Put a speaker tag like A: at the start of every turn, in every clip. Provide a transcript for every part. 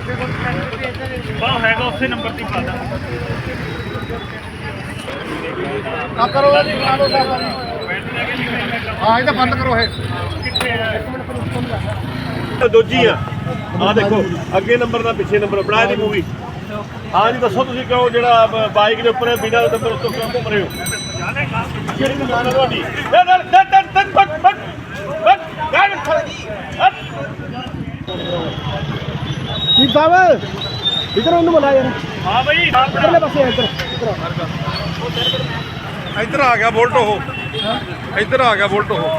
A: ਬਾਹ ਹੈਗਾ ਉਸੇ ਨੰਬਰ ਤੇ ਪਾ ਦਾਂ।
B: ਆ ਕਰੋ ਜੀ, ਕਰਾ ਲਓ ਸਾਰਾ ਜੀ। ਹਾਂ ਇਹ ਤਾਂ ਬੰਦ ਕਰੋ ਇਹ।
C: ਦੋਜੀ ਆ ਦੇਖੋ ਅੱਗੇ ਨੰਬਰ ਦਾ ਪਿੱਛੇ ਨੰਬਰ ਬਣਾ ਦੀ ਮੂਵੀ। ਹਾਂ ਜੀ ਦੱਸੋ ਤੁਸੀਂ ਕਿਉਂ ਜਿਹੜਾ ਬਾਈਕ ਦੇ ਉੱਪਰ ਬਿਨਾਂ ਨੰਬਰ ਉੱਤੋਂ ਕਿਉਂ ਘੁੰਮ ਰਹੇ ਹੋ? ਕਿਹੜੀ ਦੁਕਾਨ ਹੈ ਤੁਹਾਡੀ?
B: ਠੀਕ ਸਾਹਿਬ ਇਧਰ ਉਹਨੂੰ ਬੁਲਾ ਯਾਰ।
A: ਹਾਂ ਬਈ
B: ਇਧਰਲੇ ਪਾਸੇ
D: ਇੱਧਰ ਆ ਗਿਆ ਬੁਲਟ ਉਹ, ਇੱਧਰ ਆ ਗਿਆ ਬੁਲਟ ਉਹ।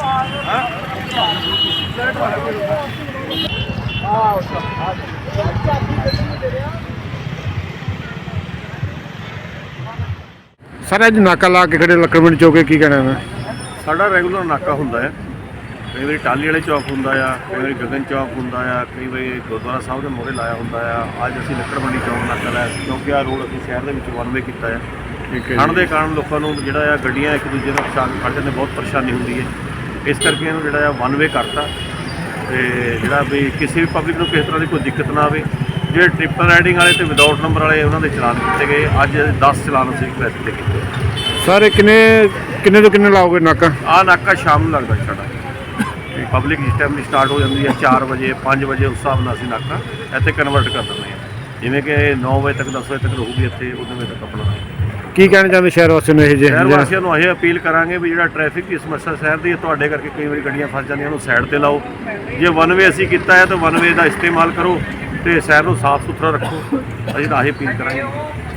B: ਸਰ ਅੱਜ ਨਾਕਾ ਲਾ ਕੇ ਖੜੇ ਲੱਕੜਵਿੰਡ ਚੌਕੇ ਕੀ ਕਹਿਣਾ ਹੈ?
C: ਸਾਡਾ ਰੈਗੂਲਰ ਨਾਕਾ ਹੁੰਦਾ ਹੈ। ਕਈ ਵਾਰੀ ਟਾਲੀ ਵਾਲੇ ਚੌਕ ਹੁੰਦਾ ਆ, ਕਈ ਵਾਰੀ ਗਗਨ ਚੌਕ ਹੁੰਦਾ ਆ, ਕਈ ਵਾਰੀ ਗੁਰਦੁਆਰਾ ਸਾਹਿਬ ਦੇ ਮੂਹਰੇ ਲਾਇਆ ਹੁੰਦਾ ਆ। ਅੱਜ ਅਸੀਂ ਲੱਕੜ ਮੰਡੀ ਚੌਕ ਨਾਕਾ ਲਾਇਆ ਸੀ ਕਿਉਂਕਿ ਆਹ ਰੋਡ ਅਸੀਂ ਸ਼ਹਿਰ ਦੇ ਵਿੱਚ ਵਨ ਵੇ ਕੀਤਾ ਆ। ਠੰਡ ਦੇ ਕਾਰਨ ਲੋਕਾਂ ਨੂੰ ਜਿਹੜਾ ਆ ਗੱਡੀਆਂ ਇੱਕ ਦੂਜੇ ਨਾਲ ਪਛਾਣ ਖੜ੍ਹ ਜਾਂਦੇ, ਬਹੁਤ ਪਰੇਸ਼ਾਨੀ ਹੁੰਦੀ ਹੈ। ਇਸ ਕਰਕੇ ਇਹਨੂੰ ਜਿਹੜਾ ਆ ਵਨ ਵੇ ਕਰਤਾ ਤੇ ਜਿਹੜਾ ਵੀ ਕਿਸੇ ਵੀ ਪਬਲਿਕ ਨੂੰ ਕਿਸੇ ਤਰ੍ਹਾਂ ਦੀ ਕੋਈ ਦਿੱਕਤ ਨਾ ਆਵੇ। ਜਿਹੜੇ ਟ੍ਰਿਪਲ ਰਾਈਡਿੰਗ ਵਾਲੇ ਤੇ ਵਿਦਆਊਟ ਨੰਬਰ ਵਾਲੇ ਉਹਨਾਂ ਦੇ ਚਲਾਨ ਕੀਤੇ ਗਏ। ਅੱਜ 10 ਚਲਾਨ ਅਸੀਂ ਟ੍ਰੈਫਿਕ ਦੇ ਕੀਤੇ।
B: ਸਰ ਇਹ ਕਿੰਨੇ ਤੋਂ ਕਿੰਨੇ ਲਾਓਗੇ ਨਾਕਾ?
C: ਆਹ ਨਾਕਾ ਸ਼ਾਮ ਨੂੰ ਲੱਗਦਾ ਸਾਡਾ। ਪਬਲਿਕ ਜਿਸ ਟਾਈਮ ਦੀ ਸਟਾਰਟ ਹੋ ਜਾਂਦੀ ਹੈ 4 ਵਜੇ 5 ਵਜੇ, ਉਸ ਹਿਸਾਬ ਨਾਲ ਅਸੀਂ ਨਾਕਾ ਇੱਥੇ ਕਨਵਰਟ ਕਰ ਦਿੰਦੇ ਹਾਂ। ਜਿਵੇਂ ਕਿ 9 ਵਜੇ ਤੱਕ 10 ਵਜੇ ਤੱਕ ਰਹੂਗੀ ਇੱਥੇ, ਉਦੋਂ ਵਜੇ ਤੱਕ ਆਪਣਾ।
B: ਕੀ ਕਹਿਣਾ ਚਾਹੁੰਦੇ ਸ਼ਹਿਰ ਵਾਸੀਆਂ ਨੂੰ? ਇਹ
C: ਸ਼ਹਿਰ ਵਾਸੀਆਂ ਨੂੰ ਇਹ ਅਪੀਲ ਕਰਾਂਗੇ ਵੀ ਜਿਹੜਾ ਟ੍ਰੈਫਿਕ ਦੀ ਸਮੱਸਿਆ ਸ਼ਹਿਰ ਦੀ ਹੈ, ਤੁਹਾਡੇ ਕਰਕੇ ਕਈ ਵਾਰੀ ਗੱਡੀਆਂ ਫਸ ਜਾਂਦੀਆਂ, ਉਹਨੂੰ ਸਾਈਡ 'ਤੇ ਲਾਓ। ਜੇ ਵਨ ਵੇ ਅਸੀਂ ਕੀਤਾ ਹੈ ਤਾਂ ਵਨ ਵੇ ਦਾ ਇਸਤੇਮਾਲ ਕਰੋ ਤੇ ਸ਼ਹਿਰ ਨੂੰ ਸਾਫ਼ ਸੁਥਰਾ ਰੱਖੋ। ਅਸੀਂ ਤਾਂ ਇਹ ਅਪੀਲ ਕਰਾਂਗੇ।